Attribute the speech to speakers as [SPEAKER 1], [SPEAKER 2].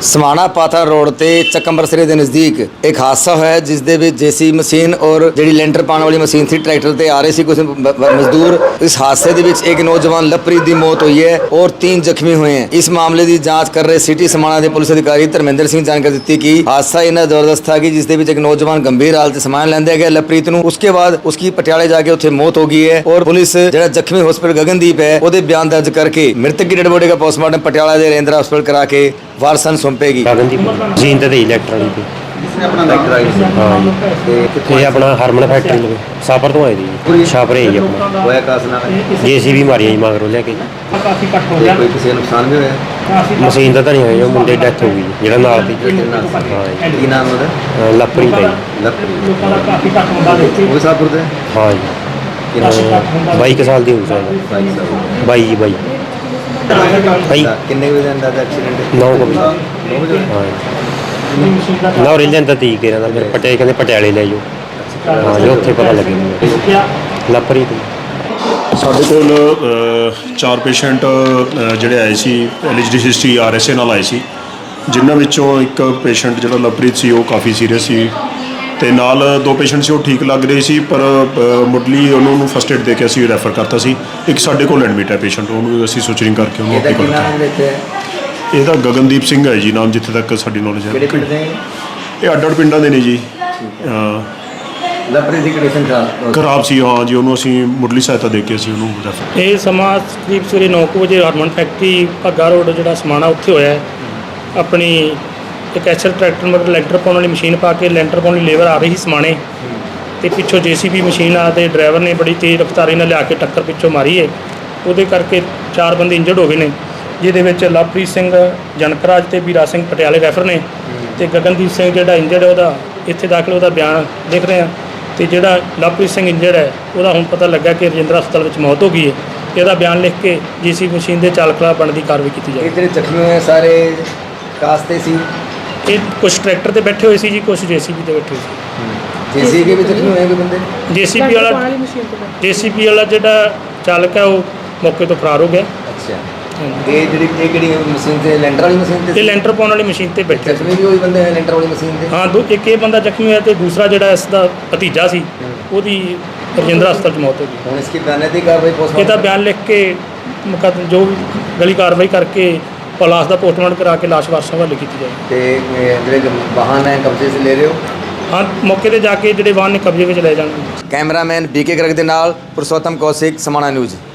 [SPEAKER 1] समाणा पाथा रोड ते चकंबरसरे के नज़दीक एक हादसा होया जिस दे विच जेसी मशीन और जिहड़ी लेंटर पाने वाली मशीन थी ट्रैक्टर ते आ रहे सी कुछ मजदूर। इस हादसे दे विच एक नौजवान लवप्रीत की मौत हुई है और 3 जख्मी हुए हैं। इस मामले की जांच कर रहे सिटी समाणा के पुलिस अधिकारी धर्मेंद्र सिंह जानकारी दी कि हादसा इन्ना जबरदस्त था कि जिस दे विच एक नौजवान गंभीर हालत समान लैंदा गया लवप्रीत नूं। उसके बाद उसकी पटियाले जाके उत्थे मौत हो गई है और पुलिस जिहड़ा जख्मी हॉस्पिटल गगनदीप है ਉਹਦੇ ਬਿਆਨ ਦਰਜ ਕਰਕੇ ਮ੍ਰਿਤਕ ਦੀ ਡੈਡ ਬੋਡੀ ਦਾ ਪੋਸਟਮਾਰਟਮ ਪਟਿਆਲਾ ਦੇ ਰੇਂਦਰਾ ਹਸਪਤਾਲ ਕਰਾ ਕੇ ਵਾਰਸਾਂ ਨੂੰ ਸੌਂਪੇਗੀ।
[SPEAKER 2] ਗਗਨਦੀਪ ਮਸ਼ੀਨ ਤੇ ਇਲੈਕਟ੍ਰੋਨਿਕ ਤੇ
[SPEAKER 1] ਜਿਸਨੇ ਆਪਣਾ ਲੈਕਚਰ ਆਈ ਸੀ
[SPEAKER 2] ਹਾਂ ਤੇ ਇਹ ਆਪਣਾ ਹਰਮਨ ਫੈਕਟਰੀ ਲਵੇ ਸਾਪਰ ਤੋਂ ਆਏ ਦੀ ਛਾਪਰੇ ਜੀ ਆਪਣਾ
[SPEAKER 1] ਹੋਇਆ ਕਾਸ ਨਾਲ
[SPEAKER 2] ਜੇਸੀਬੀ ਮਾਰੀਆਂ ਜੀ ਮਗਰੋਂ ਲੈ ਕੇ
[SPEAKER 3] ਕਾਫੀ ਘੱਟ ਹੋ ਗਿਆ।
[SPEAKER 1] ਕੋਈ ਕਿਸੇ ਨੂੰ ਨੁਕਸਾਨ ਵੀ ਹੋਇਆ?
[SPEAKER 2] ਮਸ਼ੀਨ ਦਾ ਤਾਂ ਨਹੀਂ ਹੋਇਆ, ਉਹ ਮੁੰਡੇ ਡੈਥ ਹੋ ਗਈ ਜੀ, ਜਿਹੜਾ ਨਾਲ ਸੀ।
[SPEAKER 1] ਹਾਂ ਕੀ ਨਾਮ ਉਹਦਾ?
[SPEAKER 2] ਲਵਪ੍ਰੀਤ ਹੈ
[SPEAKER 3] ਲੋਕਾਂ ਦਾ ਕਾਫੀ ਘੱਟ ਹੁੰਦਾ ਦੇਖੀ।
[SPEAKER 1] ਉਹ ਸਾਪੁਰ ਦੇ
[SPEAKER 2] ਹਾਂ ਜੀ। 22 ਸਾਲ ਦੀ ਹੋ ਸਕਦਾ 22 ਜੀ 22 ਭਾਈ
[SPEAKER 1] ਕਿੰਨੇ ਵਜੇ ਦਾ ਅੰਦਾਜ਼ਾ ਐਕਸੀਡੈਂਟ?
[SPEAKER 2] 9 ਵਜੇ ਹਾਂ ਨਾ ਰਿੰਜ ਦਾ ਤੀ ਕੇ ਨਾਲ ਫਿਰ ਪਟਿਆਲੇ ਕਹਿੰਦੇ ਪਟਿਆਲੇ ਲੈ ਜਾਓ। ਹਾਂ ਜੀ ਉੱਥੇ ਪਤਾ ਲੱਗਿਆ ਲਵਪ੍ਰੀਤ।
[SPEAKER 4] ਸਾਡੇ ਕੋਲ 4 ਪੇਸ਼ੈਂਟ ਜਿਹੜੇ ਆਏ ਸੀ ਐਲਐਚਡੀ ਹਿਸਟਰੀ ਆਰਐਸਏ ਨਾਲ ਆਏ ਸੀ, ਜਿਨ੍ਹਾਂ ਵਿੱਚੋਂ ਇੱਕ ਪੇਸ਼ੈਂਟ ਜਿਹੜਾ ਲਵਪ੍ਰੀਤ ਸੀ ਉਹ ਕਾਫੀ ਸੀਰੀਅਸ ਸੀ ਤੇ ਨਾਲ 2 ਪੇਸ਼ੈਂਟ ਸੀ ਉਹ ਠੀਕ ਲੱਗ ਰਹੇ ਸੀ, ਪਰ ਮੁੱਢਲੀ ਉਹਨੂੰ ਫਸਟ ਏਡ ਦੇ ਕੇ ਅਸੀਂ ਰੈਫਰ ਕਰਤਾ ਸੀ। ਇੱਕ ਸਾਡੇ ਕੋਲ ਐਡਮਿਟ ਹੈ ਪੇਸ਼ੈਂਟ, ਉਹਨੂੰ ਅਸੀਂ ਸੁਚਰਿੰਗ ਕਰਕੇ ਉਹਨੂੰ ਆਪੇ ਕਰਤਾ। ਇਹਦਾ ਗਗਨਦੀਪ ਸਿੰਘ ਹੈ ਜੀ ਨਾਮ, ਜਿੱਥੇ ਤੱਕ ਸਾਡੀ ਨੌਲੇਜ ਹੈ। ਇਹ ਅੱਡ-ਅੱਡ ਪਿੰਡਾਂ ਦੇ ਨੇ ਜੀ।
[SPEAKER 1] ਲਵਪ੍ਰੀਤ ਦੀ ਕੰਡੀਸ਼ਨ
[SPEAKER 4] ਖਰਾਬ ਸੀ ਹਾਂ ਜੀ, ਉਹਨੂੰ ਅਸੀਂ ਮੁੱਢਲੀ ਸਹਾਇਤਾ ਦੇ ਕੇ ਅਸੀਂ ਉਹਨੂੰ ਰੈਫਰ।
[SPEAKER 3] ਇਹ ਸਮਾਂ ਕਰੀਬ ਸਵੇਰੇ 9 ਵਜੇ ਹਰਮਨ ਫੈਕਟਰੀ ਭੱਗਾ ਰੋਡ ਜਿਹੜਾ ਸਮਾਣਾ ਉੱਥੇ ਹੋਇਆ। ਆਪਣੀ ਇੱਕ ਐਚਐਲ ਟਰੈਕਟਰ ਮਗਰ ਲੈਂਟਰ ਪਾਉਣ ਵਾਲੀ ਮਸ਼ੀਨ ਪਾ ਕੇ ਲੈਂਟਰ ਪਾਉਣ ਲਈ ਲੇਬਰ ਆ ਰਹੀ ਸੀ ਸਮਾਣੇ ਤੇ ਪਿੱਛੋਂ ਜੇਸੀਬੀ ਮਸ਼ੀਨ ਆ ਤੇ ਡਰਾਈਵਰ ਨੇ ਬੜੀ ਤੇਜ਼ ਰਫ਼ਤਾਰੀ ਨਾਲ ਲਿਆ ਕੇ ਟੱਕਰ ਪਿੱਛੋਂ ਮਾਰੀ ਹੈ। ਉਹਦੇ ਕਰਕੇ 4 ਬੰਦੇ ਇੰਜਰਡ ਹੋ ਗਏ ਨੇ, ਜਿਹਦੇ ਵਿੱਚ ਲਵਪ੍ਰੀਤ ਸਿੰਘ ਜਨਕਰਾਜ ਤੇ ਵੀਰਾ ਸਿੰਘ ਪਟਿਆਲੇ ਰੈਫਰ ਨੇ ਤੇ ਗਗਨਦੀਪ ਸਿੰਘ ਜਿਹੜਾ ਇੰਜਰਡ ਹੈ ਉਹਦਾ ਇੱਥੇ ਦਾਖਲ, ਉਹਦਾ ਬਿਆਨ ਲਿਖ ਰਹੇ ਹਾਂ। ਤੇ ਜਿਹੜਾ ਲਵਪ੍ਰੀਤ ਸਿੰਘ ਇੰਜਰਡ ਹੈ ਉਹਦਾ ਹੁਣ ਪਤਾ ਲੱਗਾ ਕਿ ਰਜਿੰਦਰਾ ਹਸਪਤਾਲ ਵਿੱਚ ਮੌਤ ਹੋ ਗਈ ਹੈ। ਇਹਦਾ ਬਿਆਨ ਲਿਖ ਕੇ ਜੀਸੀਬੀ ਮਸ਼ੀਨ ਦੇ ਚਾਲਕ ਖਿਲਾਫ ਬਣਦੀ ਕਾਰਵਾਈ ਕੀਤੀ ਜਾਵੇ।
[SPEAKER 1] ਇਹ ਜਿਹੜੇ ਜ਼ਖਮੀ ਹੋਏ ਸਾਰੇ ਕਾਸਤੇ ਸੀ?
[SPEAKER 3] ਇਹ ਕੁਛ ਟਰੈਕਟਰ ਤੇ ਬੈਠੇ ਹੋਏ ਸੀ ਜੀ, ਕੁਛ ਜੇਸੀਬੀ ਤੇ ਬੈਠੇ ਸੀ।
[SPEAKER 1] ਜੇਸੀਬੀ ਵਿੱਚ ਜ਼ਖਮੀ ਹੋਏ ਕੋਈ ਬੰਦੇ?
[SPEAKER 3] ਜੇਸੀਬੀ ਵਾਲਾ ਜਿਹੜਾ ਚਾਲਕ ਹੈ ਉਹ ਮੌਕੇ ਤੋਂ ਫਰਾਰ ਹੋ ਗਿਆ।
[SPEAKER 1] ਅੱਛਾ, ਇਹ ਕਿਹੜੀ ਮਸ਼ੀਨ ਤੇ ਲੈਂਟਰ ਵਾਲੀ ਮਸ਼ੀਨ ਤੇ?
[SPEAKER 3] ਇਹ ਲੈਂਟਰ ਪਾਉਣ ਵਾਲੀ ਮਸ਼ੀਨ ਤੇ ਬੈਠੇ
[SPEAKER 1] ਜ਼ਖਮੀ ਵੀ ਉਹੀ ਬੰਦੇ ਹੈ ਲੈਂਟਰ ਵਾਲੀ ਮਸ਼ੀਨ ਤੇ?
[SPEAKER 3] ਹਾਂ, ਇੱਕ ਇਹ ਬੰਦਾ ਜ਼ਖਮੀ ਹੋਇਆ ਤੇ ਦੂਸਰਾ ਜਿਹੜਾ ਇਸ ਦਾ ਭਤੀਜਾ ਸੀ ਉਹਦੀ ਰਜਿੰਦਰਾ ਹਸਪਤਾਲ 'ਚ ਮੌਤ ਹੋ ਗਈ।
[SPEAKER 1] ਹੁਣ ਇਸकी ਬयान ਕਾਰਵਾਈ ਪੋਸਟਮਾਰਟਮ
[SPEAKER 3] ਇਹਦਾ ਬਿਆਨ ਲਿਖ ਕੇ ਮੁਕੱਦਮਾ ਜੋ ਵੀ ਗਲੀ ਕਾਰਵਾਈ ਕਰਕੇ ਲਾਸ਼ ਦਾ ਪੋਸਟਮਾਰਟਮ ਕਰਾ ਕੇ ਲਾਸ਼ ਵਾਰਸਾਂ ਹਵਾਲੇ ਕੀਤੀ ਜਾਏ।
[SPEAKER 1] ਤੇ ਜਿਹੜੇ ਵਾਹਨ ਹੈ ਕਬਜ਼ੇ 'ਚ ਲੈ ਰਹੇ ਹੋ?
[SPEAKER 3] ਹਾਂ, ਮੌਕੇ ਤੇ ਜਾ ਕੇ ਜਿਹੜੇ ਵਾਹਨ ਨੇ ਕਬਜ਼ੇ ਵਿੱਚ ਲੈ ਜਾਣਗੇ।
[SPEAKER 1] ਕੈਮਰਾਮੈਨ ਬੀਕੇ ਗਰਗ ਦੇ ਨਾਲ ਪੁਰਸ਼ੋਤਮ ਕੌਸ਼ਿਕ, ਸਮਾਣਾ ਨਿਊਜ਼।